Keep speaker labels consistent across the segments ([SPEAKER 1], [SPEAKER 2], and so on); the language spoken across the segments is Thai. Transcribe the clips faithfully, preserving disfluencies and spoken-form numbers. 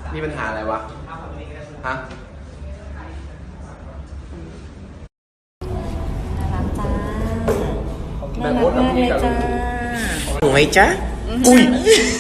[SPEAKER 1] มีปัญหาอะไรวะฮะ
[SPEAKER 2] น่ารักจ้าน่ารักมากเลยจ้า
[SPEAKER 1] หนูไหมจ๊ะอุ้ย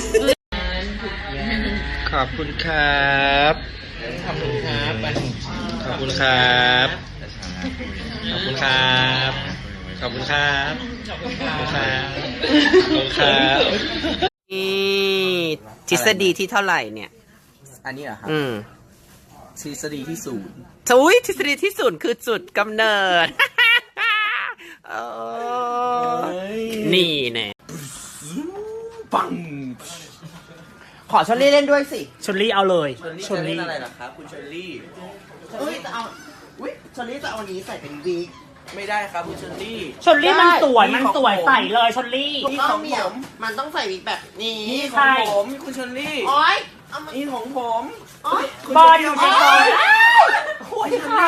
[SPEAKER 1] ขอบคุณครับขอบคุณครับขอบคุณครับขอบคุณครับขอบคุณครับขอบคุณครับขอบคุณครับ
[SPEAKER 3] นี่ทฤษฎีที่เท่าไหร่เนี่ย
[SPEAKER 1] อันนี้เหรอครับ
[SPEAKER 3] อืม
[SPEAKER 1] ทฤษฎีที่ศูนย์
[SPEAKER 3] อุ้ยทฤษฎีที่ศูนย์คือจุดกำเนิด เออนี่แน่
[SPEAKER 1] ปัง
[SPEAKER 3] ขอชลลี่เล่นด้วยสิ
[SPEAKER 2] ชลลี่เอาเลย
[SPEAKER 1] ชลลี่จะเล่นอะไรล่ะครับคุณชลลี่
[SPEAKER 3] ชลลี่จะเอาอุ้ยชลลี่จะเอาอันนี้ใส่เป็นวีก
[SPEAKER 1] ไม่ได้ครับคุณชลลี่
[SPEAKER 2] ชลลี่มันสวยมันสวยใส่เลยชลลี่
[SPEAKER 3] นี่ของผมมันต้องใส่วีกแบบนี้
[SPEAKER 1] นี่ของผมคุณชลลี่
[SPEAKER 3] โอ๊ย
[SPEAKER 1] นี่ของผม
[SPEAKER 2] บอลอยู่ในกอง
[SPEAKER 1] โอ้ยค่ะ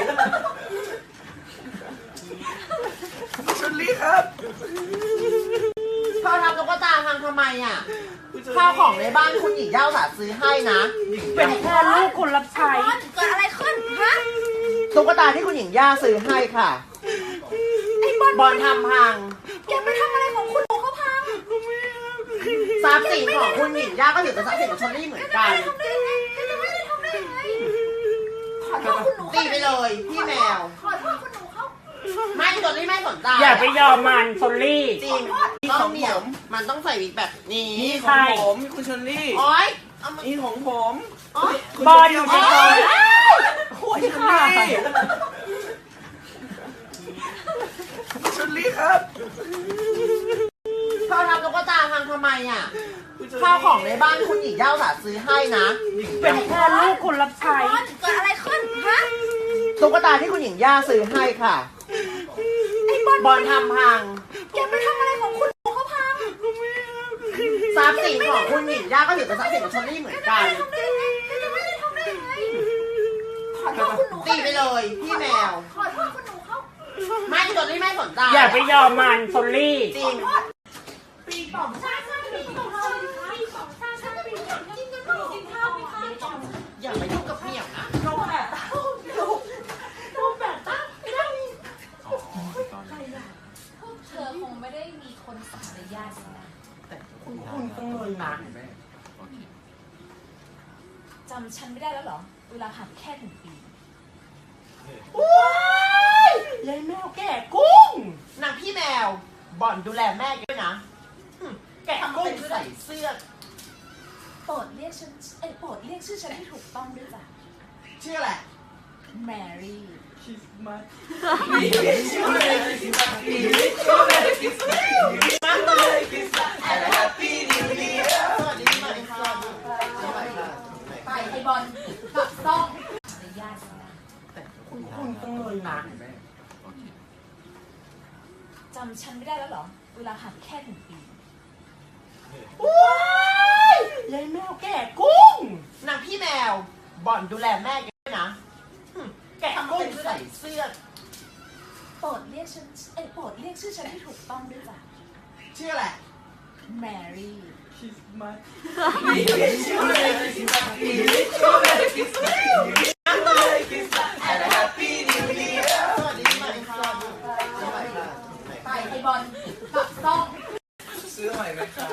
[SPEAKER 1] ชลลี่ครับ
[SPEAKER 3] พ่อทำตุ๊กตาทำทำไมอ่ะข้าวของในบ้านคุณหญิงย่าสาซื้อให้นะ
[SPEAKER 2] เป็นแค่ลูกคนรับใช้
[SPEAKER 3] เกิดอะไรขึ้นฮะตุ๊กตาที่คุณหญิงย่าซื้อให้ค่ะไอ้บอลบอลทำพังแกไปทำอะไรของคุณหนูเขาพังทรัพย์สินของคุณหญิงย่าก็ถือเป็นทรัพย์สินของชลลี่เหมือนกันทำได้ไงจะไม่ได้ทำได้ไงขอโทษคุณหนูตีไปเลยพี่แมวขอโทษคุณหนูเขาไม่ชลลี่ไม่สนใจ
[SPEAKER 2] อย่าไปยอมมันชลลี่
[SPEAKER 3] จริงต้องเหนียวมันต้องใส่วิกแบบนี้
[SPEAKER 1] นี่ของผมคุณชลลี่
[SPEAKER 3] โอ๊ย
[SPEAKER 1] นี่ของผม
[SPEAKER 2] บอลอยู่ในกอง
[SPEAKER 1] โอ้ยค่ะชลลี่ครับ
[SPEAKER 3] พ่อทำตุ๊กตาพังทำไมอ่ะข้าวของในบ้านคุณหญิงย่าสาซื้อให้นะ
[SPEAKER 2] เป็นแค่ลูกคนรับใช้
[SPEAKER 3] เกิดอะไรขึ้นฮะตุ๊กตาที่คุณหญิงย่าซื้อให้ค่ะไอ้บอลบอลทำพังแกไปทำอะไรของคุณหนูเขาพังทรัพย์สินของคุณหญิงย่าก็ถือเป็นทรัพย์สินของชลลี่เหมือนกันทำได้ไงจะไม่ได้ทำได้ไงขอโทษคุณหนูตีไปเลยพี่แมวขอโทษคุณหนูเขาไม่ชลลี่ไม่สนใจ
[SPEAKER 2] อย่าไปยอมมันชลลี่
[SPEAKER 3] จริง
[SPEAKER 4] ปีสองชาติชาติปีสองชาติปีสองชาติชาติปีสองกินกันข้าวกินข้าวไม่ข้าวสอง
[SPEAKER 3] อย่ามายุ่งกับเมี่ยวนะ
[SPEAKER 4] โดนแบบตั้งโดนแบบตั้งไม่ได้ใครอ่ะพวกเธอคงไม่ได้มีคนสอนในญาตินะ
[SPEAKER 3] แต่คุณคุณต้องเลยนะ
[SPEAKER 4] จำฉันไม่ได้แล้วเหรอเวลาผ่านแค่หนึ่งปี
[SPEAKER 3] ว้ายยายแมวแก่กุ้งนางพี่แมวบอลดูแลแม่ด้วยนะแกะกุ้งใส่เสื้อ
[SPEAKER 4] โปรดเรียกฉันเอ้โปรดเรียกชื่อฉันให้ถูกต้องด้วยจ้ะ
[SPEAKER 3] ชื่ออะไร
[SPEAKER 4] แมรี่
[SPEAKER 3] มา
[SPEAKER 4] ไปไอบอลกับต้องในญาตินะ
[SPEAKER 3] แต่คุณคุณต้องเลยนะ
[SPEAKER 4] จำฉันไม่ได้แล้วเหรอเวลาผ่านแค่หนึ่งปี
[SPEAKER 3] ว้ายยายแมวแก่กุ้งนางพี่แมวบอลดูแลแม่ด้วยนะแกะกุ้งใส่เสื้อ
[SPEAKER 4] โปรดเรียกฉันเอ้โปรดเรียกชื่อฉันให้ถูกต้องด้วยจ้ะ
[SPEAKER 3] ชื่ออะไร
[SPEAKER 4] แมรี่ไปไอบอลกับต้อง
[SPEAKER 1] ซื้อใหม่ไหมครับ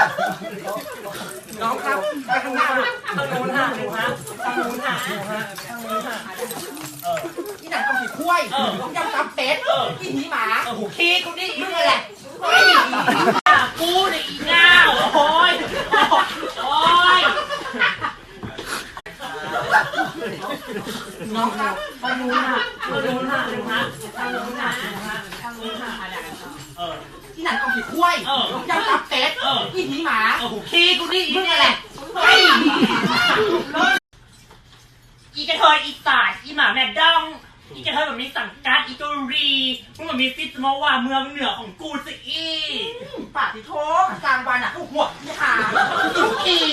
[SPEAKER 2] น้องครับทางนู้นทางนู้นทางนู้นทางนู้นทางนู้นทางนู้นเออ
[SPEAKER 3] อีหนังกองผีคุ้ยยำตับเป็ดอีหนีหมา
[SPEAKER 2] ขี้กูนี่
[SPEAKER 3] มึงอะไร
[SPEAKER 2] กูนี่อีเงาโอ้ยโอ้ยน้องครับทางนู้นทางนู้นทางนู้นทางนู้นทางนู้นทางนู้นอะไรเออ
[SPEAKER 3] อีหนังกองผีคุ้ยยำตับเป็ดอีหนีหมา
[SPEAKER 2] ขี้กูนี่
[SPEAKER 3] มึงอะไร
[SPEAKER 2] อีกระเทยอีสานอีหมาแม่ดองอีกระเทยแบบมีสังกัดอีตุรีมึงแบบมีซิสมาว่าเมืองเหนือของกูสิอี
[SPEAKER 3] ปากที่โถกลางวันอ่ะกูหัวที่ขาทุกที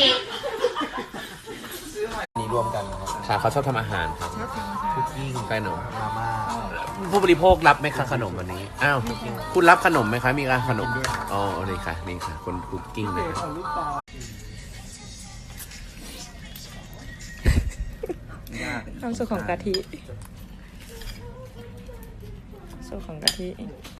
[SPEAKER 1] นี่รวมกัน
[SPEAKER 5] ค่ะเขาชอบทำอาหารครับคุกกิ้งขนมมาม่าผู้บริโภครับไหมคะขนมวันนี้อ้าวคุณรับขนมไหมคะมีการขนมอ๋อนี่ค่ะนี่ค่ะคนคุกกิ้งเลย
[SPEAKER 6] ความสุขของกะทิสุขของกะทิ